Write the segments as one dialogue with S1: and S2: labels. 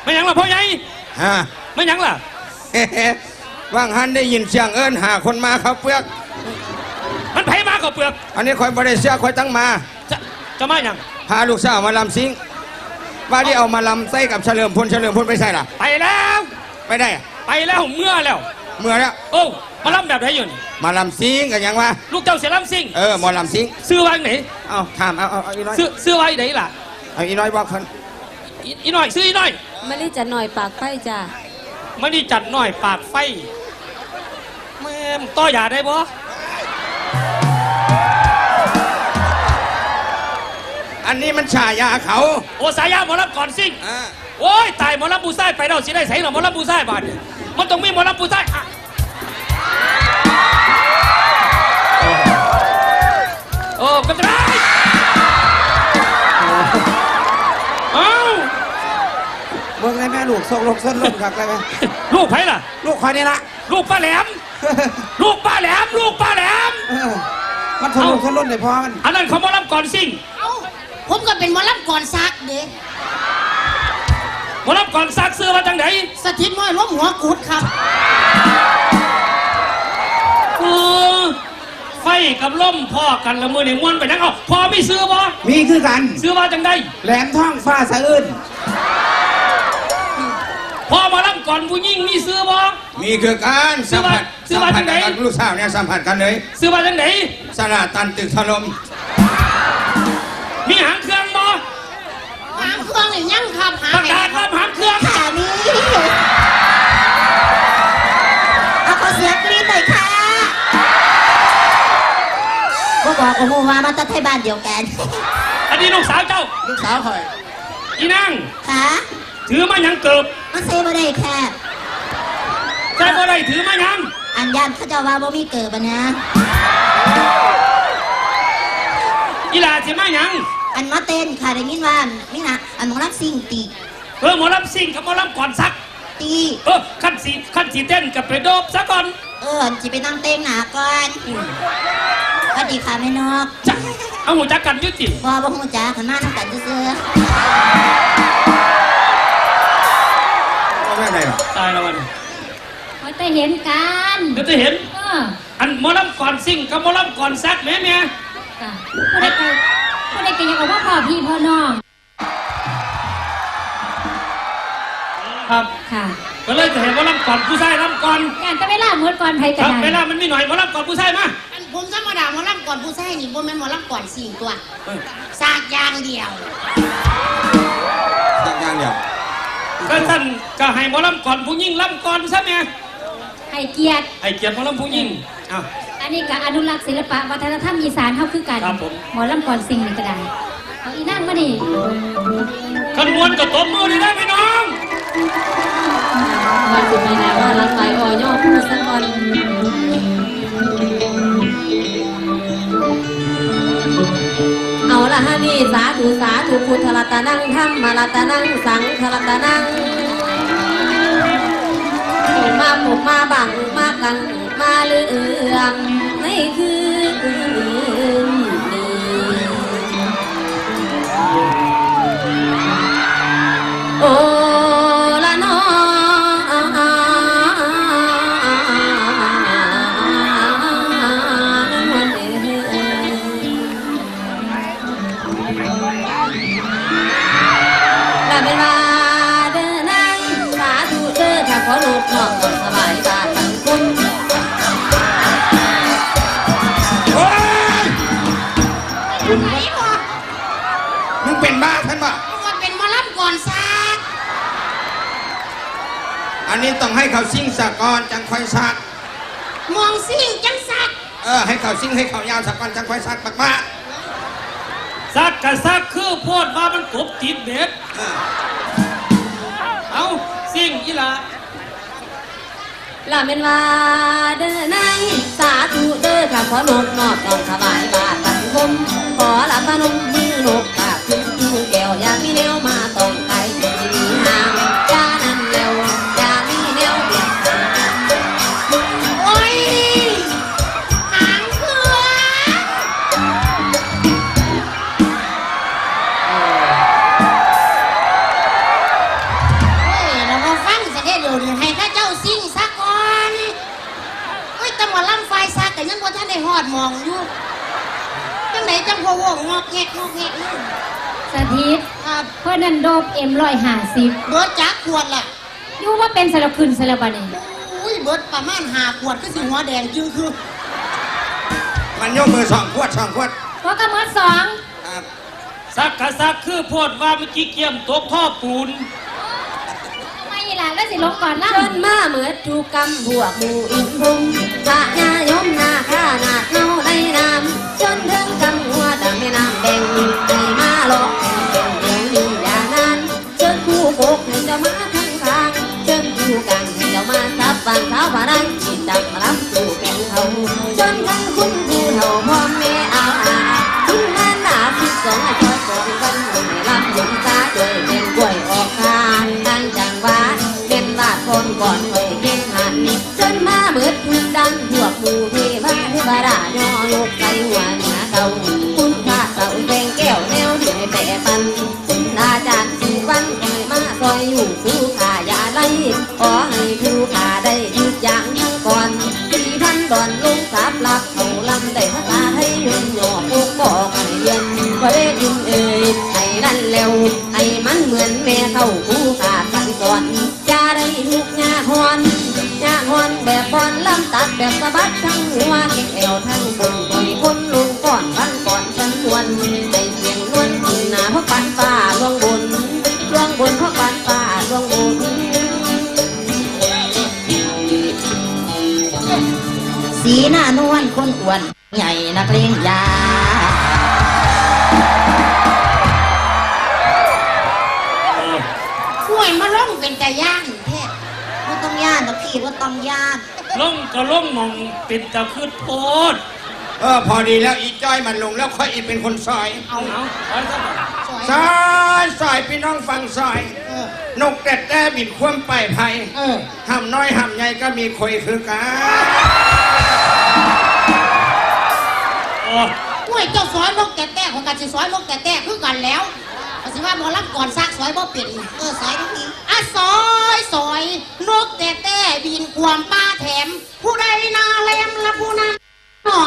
S1: ไม่ยังล่ะพ่อใหญ่
S2: ฮะ
S1: ไม่ยังล่ะ
S2: ว่างหันได้ยินเสียงเอิญหาคนมาเขาเปลือก
S1: มันไผมาก็เปลือก
S2: อันนี้คอยบริเสียคอยตั้งมา
S1: จะมาอย่าง
S2: พาลูกสาวมาลำซิงว่าที่เอามาลำใส่กับเฉลิมพลไปใส่ล่ะ
S1: ไปแล้ว
S2: ไปได้
S1: ไปแล้วเมื่อแล้วโอ้มาลำแบบไหนอยู่นี่
S2: มาลำซิงกันยังวะ
S1: ลูกเจ้าเสียลำซิง
S2: มอลำซิง
S1: ซื้อไว้ไหน
S2: เอาถามเอาอีน้อย
S1: ซื้อไว้ไหนล่ะ
S2: เอาอีน้อยบอกคน
S1: อีน้อยซื้ออีน้อย
S3: มาลีจัดหน่อยปากไฟจ้า
S1: มาลีจัดหน่อยปากไฟแม่ต่อยาได้บ่
S2: อันนี้มันฉายาเขา
S1: โอ้สายาหมอลำก่อนซิ่งโอ้ยตายหมอลำปูไส้ไปเราสิได้ใส่หรอหมอลำปูไส้บาดมันต้องมีหมอลำปูไส้โอ้ก็จะได้เอ้า
S2: เบิ่งได้แม่ลูกส่งลงส้นลงครับได้ไหม
S1: ลูกไผ่ล่ะ
S2: ลูกใครนี่ละ
S1: ลูกป้าแหลมลูกป้าแหลม
S2: มันทะลุทะลุเลยพ่อมัน
S1: อันนั้นเขาหมอลำก่อนซิ่ง
S4: ผมก็เป็นหมอลำก่อนซักเด้
S1: หมอลำก่อนซักเสื้อมาจังไหน
S4: สถิตน้อยล้มหัวกุดครับ
S1: ไฟกับล่มพ่อกันละมือหนึ่งม้วนไปนั่งเอาพ่อไม่ซื้อบ่
S2: มีคือกัน
S1: ซื้อมาจังได้
S2: แหลมท้องฟ้าสะอื้น
S1: พ่อมาลำก่อนผู้ยิ่งมีซื้อบ่
S2: มีคือการ
S1: ซื้อมาจังไหน
S2: ลูกสาวเนี่ยสัมผัสกันเลย
S1: ซื้อมาจังไหน
S2: สลาตันตึกถล่ม
S1: มีหางเครื่องบ่
S4: หางเครื่องหรือยังครับ
S1: ประกาศรับหางเครื่อง
S4: ค่ะนี่เอาขอเสียงกรี๊ดหน่อยค่ะบอกว่ามาตั้งที่บ้านเดียวกัน
S1: อันนี้ลูกสาวเจ้า
S2: ลูกสาวคอย
S1: อีนาง
S4: ค่ะ
S1: ถือมายังเกิบ
S4: มาเซบ่ได้ค่ะ
S1: ใช่บ่ได้ถือมายัง
S4: อันยันเขาจะว่าบ่มีเกิบนะ
S1: อีหลาสิมายัง
S4: อันมาเต้นค่ะได้ยินว่านี่นะอันหมอลำซิ่งตี
S1: หมอลำซิ่งกับหมอลำก่อนซัก
S4: ตี
S1: ขั้นสีเต้นกับไปโดบซะก่อน
S4: จะไปนั่งเต้นหนาก่อนสวัสดีค่ะแม่นก
S1: เอาหูจักกันยุติ
S4: บ่หูจักขันมานั่งกันซื้อ
S2: ไม่ได้หรอ
S1: ตายแล้ววัน
S3: มันจะเห็นกัน
S1: จะเห็นอันหมอลำก่อนซิ่งกับหมอลำก่อนซักแม่
S3: ผู้ใดก็ยังบอกว่าพ่อพี่พ่อน้อง
S1: ครับ
S3: ค่ะ
S1: ก็เลยจะเห็นว่าลำก่อนผู้ชายลำก่อน
S3: อย่างจะเวลาเหมือนก่อนไทยกัน
S1: เวลามันมีหน่อยว่าลำก่อนผู้ชายมา
S4: ผมธรรมดาหมอลำก่อนผู้ชายนี่บ่แม่นหมอลำก่อนสิ่งตัวซากยางเดียว
S2: ซากยางเดียว
S1: ก็ท่านก็ให้หมอลำก่อนผู้หญิงลำก่อนใช่ไหม
S3: ให้เกียรติ
S1: หมอลำผู้หญิง
S3: อันนี้ก็อนุรักษ์ศิลปะวัฒนธรรมอีสานเท่าคือกันหมอลำก่อนสิ่งนี้ก็ได้เอาอีนั่งมาดิ
S1: ขบวนกับตบมือได้ไหมน้อง
S3: วันสุดท้ายนะว่ารักไปอ่อยอพูดสักวันเอาละฮะนี่สาธุพุทธรัตนังธรรมรัตนังสังฆรัตนังผมมาบังมากังมาเรื่องในคืนโอ้ละน้องลาเวลาเดินนั่งสาธุเดินถ้าขอลูกน้องสบายบ้านทั้งคน
S2: มึงเป็นบ้าท่านป่ะอันนี้ต้องให้เขาซิ่งสะกอนจังค่อยซัก
S4: มองซิ่งจังซัก
S2: ให้เขาซิ่งให้เขายาวสะกอนจังค่อยซักปักมา
S1: ซักกับซักคือโพดว่ามันกบติดเบ็ดเอาซิ่งอีหละ
S3: ลาเมนว่าเดินนั่งสาธุเด้อข้าขอลูกนอกต้องสบายบ้านสังคมขอละพนมมือนกปากขึ้นแก้วอยากมีแนวมาต้องไกลที่มีห่างยานั่นแล้วอยากมีแนวเปลี่ยน
S4: โอ้ยหางเครื่องมาล่ำไฟซักแต่ยังว่าท่านได้หอดมองอยู่จังไหนจังพ่อวงงอกแงกงอกแงกอยู่
S5: สถิต
S4: ครับ
S5: เพื่อนนั่นโดบM150
S4: เบิร์ดจักขวดล่ะ
S5: อยู่ว่าเป็นสารคืนสารบันนี่
S4: อุ้ยเบิร์ดประมาณ5 ขวดก็สิหัวแดงจึงคือ
S2: มันยกมือ2 ขวด 2 ขวด
S5: ว่ากระมือสอง
S2: ครับ
S1: ซักกะซักคือโพดว่าเมื่อกี้เกี่ยมตกท่อปูน
S5: ไม่ล่ะแล้วสิลงก่อนล่ะ
S3: จนมาเหมือนถูกกำพวกหมู่อินพุงพระญายมนาข้านาดเนาในน้ำจนถึงกำหัวแต่ไม่น้ำแบ่งให้มาหลอกเป็นเรื่องอยู่อย่างนั้นจนคู่โกกให้จะมาทั้งทางจนคู่กันให้จะมาทับฟังเท้าผานังจิตจับรับสู่แก่งเขาจนทั้งคุณผู้เฒ่าพ่อแม่อาทิ้งงานหนาคิดสองคอยสองกันให้รับหลงตาด้วยเป็นกล้วยออกทางทางจังหวะเป็นบาดคนก่อนเคยเก่งหันจนมาเบิดทุกดังพวกหมู่เทวาเทวดาย่อยกใส่หัวเหนือเก่าคุณพระเสาแดงแก้วแนวที่ให้แปะปันคุณอาจารย์สุวรรณคอยมาซอยอยู่ผู้ขาอย่าไล่ขอให้ผู้ขาได้ยึดอย่างทั้งก่อน4,000 ดอนลงสาบหลักเขาลำได้ภาษาให้ยุ่งหยอกพวกบอกให้เรียนก็ได้ยินให้นั่นแล้วให้มันเหมือนแม่เข้าผู้ขาสั่งสอนจะได้ทุกงาฮอนแบบบอลลำตัดแบบสะบัดทั้งหัวเอวทั้งบนคอยคนลงก่อนฟันก่อนฉันนวลให้เสียงนวลขึ้นหน้าเพราะปันฟ้าลวงบนเพราะปันฟ้าลวงบนสีหน้านวลคนอ้วนใหญ่นักเลงยา
S4: ห่วยมาล่องเป็นแต่ย่างแท้ว่าต้องย่านนะพี่ว่าต้องย่าน
S1: ล่องก็ล่องมองเป็นตะคืดโพด
S2: พอดีแล้วอีจ้อยมันลงแล้วค่อยอีเป็นคนซอย
S1: เอาไปซะบ่
S4: สวย
S2: ซอยพี่น้องฟังซอย นกแต่บิดคว่ำไปไผ่
S4: เออ
S2: ห้ำน้อยห้ำใหญ่ก็มีคอยคือกัน
S1: โอ้
S4: ห่วยเจ้าสอยนกแต่แต่ของกันสิสอยนกแต่แต่คือกันแล้วก็สิว่าหมอรับก่อนซักสอยบ่เป็นสอยทั้งทีสอยนกแต่แต่บินความป้าแถม ผู้ใดนาแลมละผู้นั้นหน่อย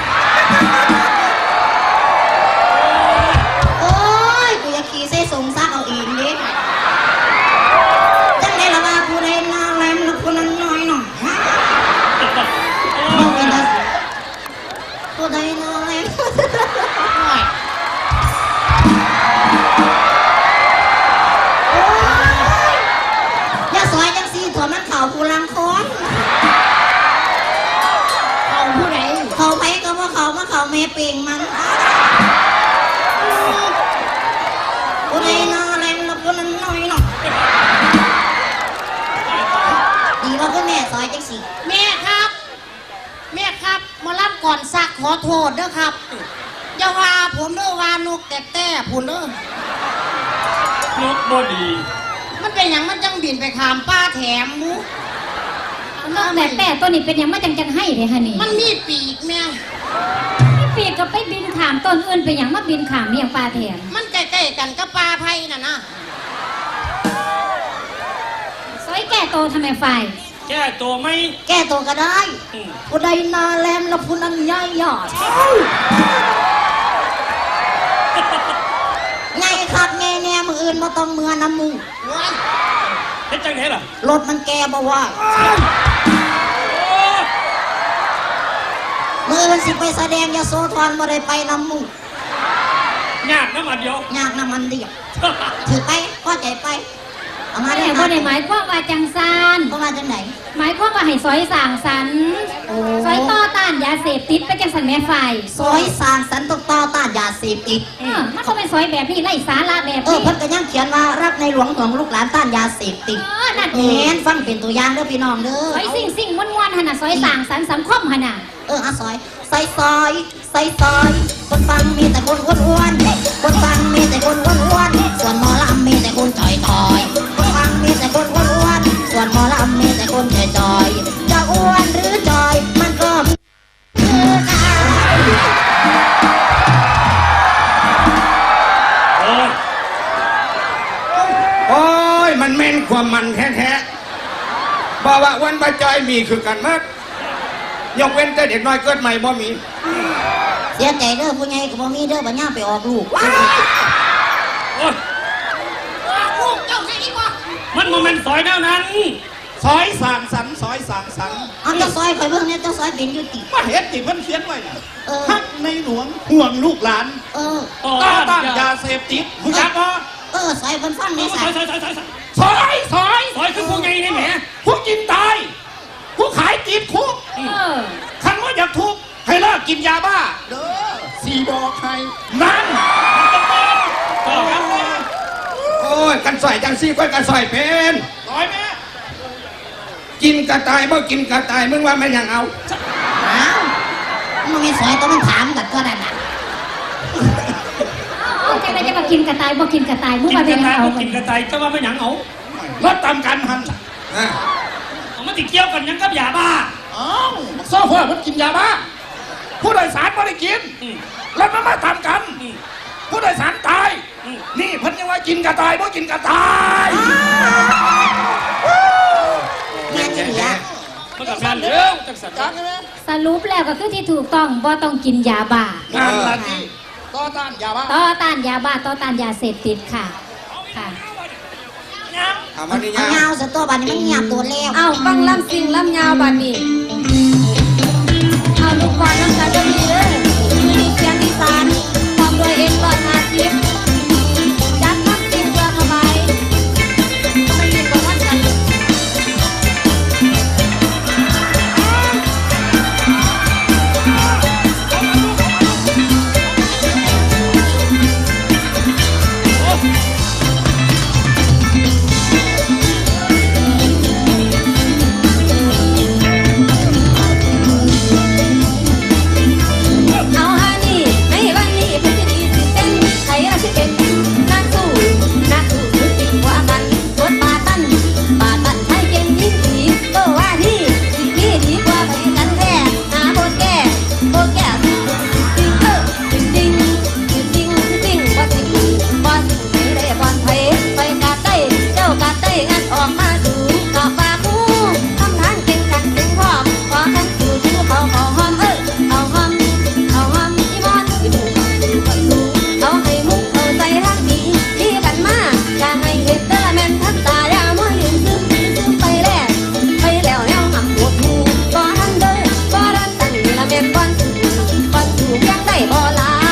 S4: โอ้ยกูอยากขี่เส้สงซักเอาเองดิจังได้ละว่าผู้ใดนาแลมละผู้นั้นหน่อยหน่อยผู้ใดนาแลมหน่อยอย่าสอยจังสีถั่วมันเข่ากูลังค้อนเข่าผู้ใดเข่าไปก็ว่าเข่ามาเข่าแม่เป่งมันผู้ใดนาแลมละผู้นั้นหน่อยหน่อยดีว่าคุณแม่ซอยจังสิแม่ครับมารับก่อนซักขอโทษเด้อครับอย่าว่าผมเด้อว่านกแต่ผมเด้อน
S1: กบ่ดี
S4: มันเป็นอย่างมันจังบินไปขามป้าแถมมุ
S5: นกแต่ตัวนี้เป็นหยังมาจังให้เลยฮะนี่
S4: มันมีปีกแม่
S5: ปีกก็ไปบินขามต้นอื่นเป็นหยังมาบินขามเมียงปลาแถม
S4: มันใกล้ๆกันกับปลาไผ่น่ะนะ
S5: ซอยแก่โตทำไมไฟ
S1: แก้ตัวไหม
S4: แก้ตัวก็ได้
S1: อืม
S4: ผู้ใดนาแลมแล้วผู้นั้นย่อยยอดไงครับแง่แน่มืออื่นมาต้องเมือน้ำมูก
S1: เฮ็ดจังได๋ล่ะ
S4: รถมันแกบ่ว่า มืออื่นสิไปแสดงยาโซทอนบ่ได้ไปน้ำมูก
S1: ยากนะมาเดียวย
S4: ากน้ำมันเดียวถือไปพอใจไปเอามา
S5: แต่
S4: ได้
S5: บ่ได้หมายความว่าจังซาน
S4: ก็มาจังไหน
S5: หมายความว่าให้ซอยสร้างสรรค์
S4: โอ้
S5: ซอยต่อต้านยาเสพติดไปจังสันแม่ไฟ
S4: ซอยสร้างสรรค์ตกต่อต้านยาเสพติด
S5: มันก็เป็นซอยแบบนี้ไร้สาระแบบ
S4: เพิ่
S5: นี้
S4: นก็ยังเขียนว่ารักในหลวงของลูกหลานต้านยาเสพติด
S5: นั่นเอ
S4: เห็
S5: ง
S4: นฟังเป็นตัวอย่างเด้อพี่น้องเด้อ
S5: ซอยสิ่งม้วนๆหนน่ะซอยสร้างสรรค์สังคมหนน่ะ
S4: ซอยคนฟังมีแต่คนอ้วนๆคนฟังมีแต่คนอ้วนๆส่วนหมอลำมีแต่คนถอยๆคนฟังมีแต่คนอ้วนๆส่วนหมอลำมีแต่คนจอยๆจะอ้วนหรือจอยมันก็คือกัน
S1: โอ้ย
S2: โอ้ยมันเม่นความมันแท้ๆบอกว่าวันบาจอยมีคือกันมากยกเว้นแต่เด็กน้อยเกิดใหม่บ่มี
S4: เสียใจเด้อผู้ใหญ่ก็บ่มีเด้อบัดย่าไปออกลูก
S1: โอ้ย
S4: ลูกเจ้าให้ดีกว่า
S1: มันโมเมนต์ซอยแนวนั้น
S6: ซอยสางสรรค์ซอยสางสรรค์
S4: เอาเจ้าซอยไปเบิ่งเนี่ยเจ้าซอยเป็นอยู่ติ
S6: มาเห็นติเพิ่นเขียนไว้น่ะ
S4: เออ
S6: ฮักในหลวงห่วงลูกหลาน
S4: เออ
S6: ต่อต้านยาเสพติดผู้จักบ่
S4: ซอยเพิ่นฟัง
S1: ซ
S4: แม่
S1: อย
S4: สา
S1: ซอย
S4: ย
S1: ซอยซอยซอย
S6: ซอยซอย
S1: ซอยคือผู้ใหญ่นี่แหม
S6: ผู้กินตายผู้ขายติดคุก
S5: เออ
S6: คันว่าอยากทุกข์ให้เลิกกินยาบ้าเด้อสีบอกใครนั่น
S1: ต่อครับ
S2: โอ้ยกันซอยจังซี่ก็กันซอยเป็น
S6: ซอยแม่
S2: กินกระต่ายบ่กินกระต่ายมึงว่าแม่นหยังเอา
S4: อ้าวมันมีซอยต้องมันถามกันก็ได้น่ะ
S5: เอาจังไดจะมากินกระต่ายบ่กินกระต่ายมึง
S1: กิน
S5: ว่าก เป็
S1: ระ
S5: น
S1: ต่าย
S5: เอา
S1: ก็กินกระต่ายจะว่าไม่หยังเอา
S6: รถตามกันหัน
S2: อ่ะ
S1: เอามันติเกี่ยวกันหยังกับยาบ้า
S6: อ้าวโซ่เพื่อมันกินยาบ้าผู้โดยสารไม่ได้กิน
S1: อืม
S6: แล้วมันมาทำกัน
S1: อืม
S6: ผู้โดยสารตาย
S1: อืม
S6: นี่เพิ่นยังว่ากินกระต่ายบ่กินกระต่าย
S4: แม่นี่ล่ะ
S1: มันกับแม่นเร็วจังสัน
S5: สรุปแล้วก็คือที่ถูกต้องบ่ต้องกินยาบ้าง
S6: านละที่ต่อต้านยาบ้า
S5: ต่อต้านยาบ้าต่อต้านยาเสพติดค่ะค่ะ
S2: เอามานี่
S4: เอา
S2: ยา
S4: เงาซะตัวบัดนี้มันเงียบตัวแล้ว
S3: เอาฟังลำสิ่งลำยาวบัดนี้เอาลูกบอลน้ำตาจะมีเด้อมีเสียงอีสานความด้วยเอ็นร้อย50จัดทักสิ่งเพื่อเข้าไปไม่มีกว่าท่านกัน เอาฮานี่ในวันนี้เพื่อจะดีสิเต้นใครเราจะเป็นนักสู้สุดจริงกว่ากันรถปาตันใช้เก่งยิ่งดีก็ว่านี่สิ่งนี้ดีกว่าไปกันแท้หาโบแก่จริงจริงว่าสิ่งไม่ได้บอลไทยไปกาดได้เจ้ากาดได้งัดออกมาดูกาปากหูทำทานเก่งกันเก่งพร้อมขอทั้งสู่ชูเขาหอมเอาหอมอีมอนอีบุกเอาให้มุกเอาใจรักดีกันมาอย่าให้เห็นแต่ละแม่นทักตาอย่ามัวยืนซึมไปแล้วแล้วหำปวดหูก็ทันเด้อก็รันตั้งนี่ละแม่นก่อนสู่ยังได้บ่ลา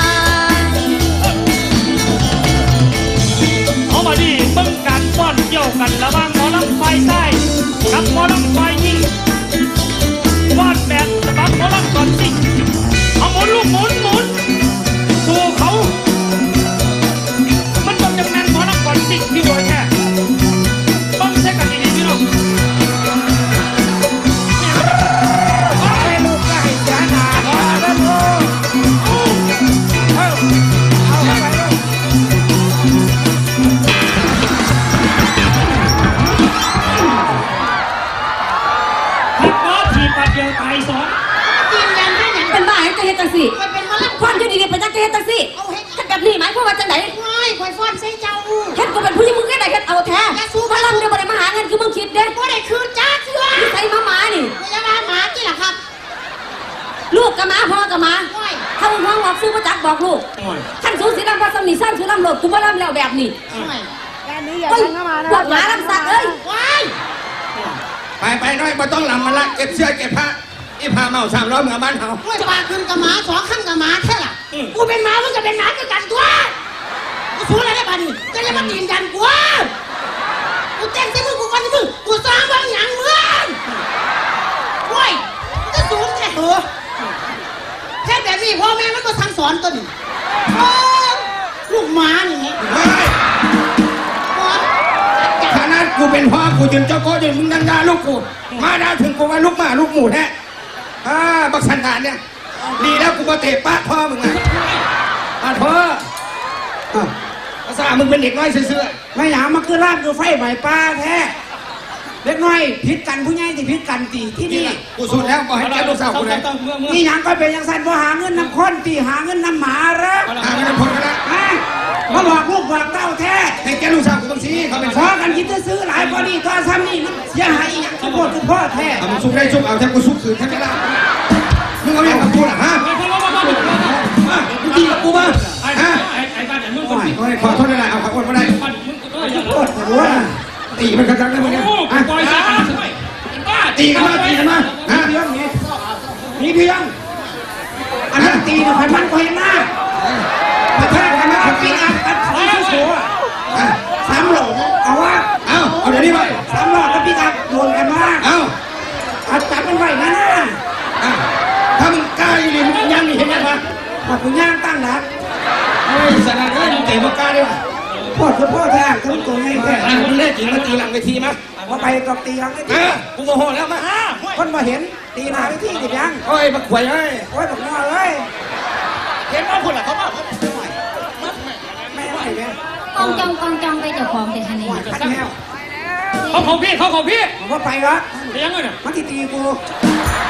S1: เอามาดิเบิ่งการป้อนเกี่ยวกันระหว่างหมอลำไฟใต้กับหมอลำไฟยิงป้อนแบบฉบับหมอลำก่อนสิเอาหมุนลูกหมุนสู่เขา มันต้องจำแนนหมอลำก่อนสิพี่โดยแค่ต้องใช้กันดีๆพี่น้อง
S2: ให้ลูกก็ให้เสียหน้าขอเด้อลูกเอาเข้าไปลูก
S1: ผิดบอสถีบปัดเดียวตายสอง
S4: ยืนยันให้หยัง
S3: เป็นบ้าให้เฮ็ดจังซี่
S4: ไปเป็นมะละ
S3: ความอยู่ดีๆเป็นจังเฮ็ดจังซี่
S4: เอาเฮ็ด
S3: เฮ็ดแบบนี้หมายความว่าจังได๋
S4: ว้ายข่อยฟ้อนใส่เจ้า
S3: เฮ็ดก็เป็นผู้หญิงมึงเฮ็ดได้เฮ็ดเอาแท้พลังเด้บ่ได้มาหาเงินคือมึงคิดเด้
S4: บ่ได้คืนจ้าเถื่อ
S3: ใส่มาหมานี่
S4: พยาบาลหมาที่ล่ะครับ
S3: ลูกกับหมาพ่อกับหมา
S4: ว้าย
S3: ถ้ามึงห้องบอกซื้อมาจักบอกลูกท่านสูงสีดำพระสมิสร้างคือลำโหลดกูบ่ลำแล้วแบบนี้
S4: ว้าย
S3: เฮ้ยพวกหมาลำสักเอ้ย
S4: ว้าย
S2: ไปน้อยบ่ต้องลำมันละเก็บเสื้อเก็บผ้าอีผ้าเมา300เมื่อบ้านเฮา
S4: ว้ายปลาขึ้นกับหมาสองขั้นกับหมาแท้ล่ะกูเป็นหมามึงก็เป็นหมาคือกันตัวกูสู้อะไรได้บ้านี่จะจะมาตีนยันกูกูเต้นใส่มึงกูฟันใส่มึงกูสร้างบางอย่างมึงว้ายมึงจะสูงแท้เหรอแค่แบบนี้พ่อแม่มันก็สั่งสอนตัวนี้ลูกหมานี่ไง
S2: เฮ้ย
S4: พ่อ
S2: ขนาดกูเป็นพ่อกูจนเจ้าโก้จนมึงดังด่าลูกกูมาด่าถึงกูว่าลูกหมาลูกหมูแท้บักสันดานเนี่ยดีแล้วกูมาเตะปากพ่อมึงไงพ่อภาษามึงเป็นเด็กน้อยเสื่อ
S7: ไม่หยามันคือร่างคือไฟไหม้ป้าแท้เล็กน้อยผิดกันผู้ใหญ่ที่ผิดกันตีที่
S2: นี่
S7: นี่
S2: แหละกูสุดแล้วก็ให้แกลูกสาวกูเลย
S7: นี่หยังก็เป็นยังสันว่าหาเงินน้ำค้นตีหาเงินน้ำหมาเหรอ
S2: ไม่ได้พ้นกันแล้ว
S7: ฮะมาบอกลูกบอกเต้าแท้
S2: ให้แกลูกสาวกูบางทีเขาเป็น
S7: ขอกันคิดจะซื้อหลายพอดีตัวซ้ำนี่มันเสียหายอีกอย่างทุกคนทุกพ่อแท้
S2: เอามึงซุกได้ซุกเอาแทบกูซุกคืนแทบไม่ได้มึงเอาอย่างกับกูล่ะฮะมามึงตีกับกูมา
S1: ไอ้
S2: ฮะ
S1: บ้านไหนมึงคนผิด
S2: ขอโทษได้เอาขอโทษไม่ได้
S1: บ้านมึงก็อย่า
S7: โคตรหัว
S2: ตีมันกระจังได้มึงเนี่ย
S1: โอ้กูปล่อยซะเป็นบ้า
S2: ตีกันมาตีกันมาฮะ
S7: เพียงนี่มีเพียงอันนั้นตีนะพันมันก็เห็นหน้าประเทศกันนะขับปีอัพกันของที่สัวสามหลงเอาวะ
S2: เอาเดี๋ยวนี้ไป
S7: สามหลอกกับปีอัพโดนกันว่า
S2: เอา
S7: อัดจับมันไว้นะนะ
S2: ถ้ามึงกล้าอยู่นี่มึงยังนี่เห็นไหมวะ
S7: บอกคุณย่างตั้งหลัก
S2: เฮ้ยสนานเลยมึงเตะมึงกล้าดิวะ
S7: พ่อคือพ่อแท้ทั้งตัวไงแท้
S2: มึงเล่นจริงมาตีหลังเวทีมั้ย
S7: ว่าไปกับตีหลังไอ้
S2: เอ
S7: ที่
S2: อกูโมโหแล้วมา
S7: คนมาเห็นตีหน้าไอ้ที่ดิบยัง
S2: โอ้ยมาขวยเอ้ย
S7: โอ้ยบอกน้อยเอ้ย
S6: เห็นว่าคุณล่ะเขาว่า
S7: ไม่ไหวเลย
S5: กองจองไปเจ้าของแต่คะแนน
S7: ขัดแนว
S1: เขาของพี่
S7: ผมว่าไปวะ
S1: ไปยังไงเนี่ย
S7: มันที่ตีกู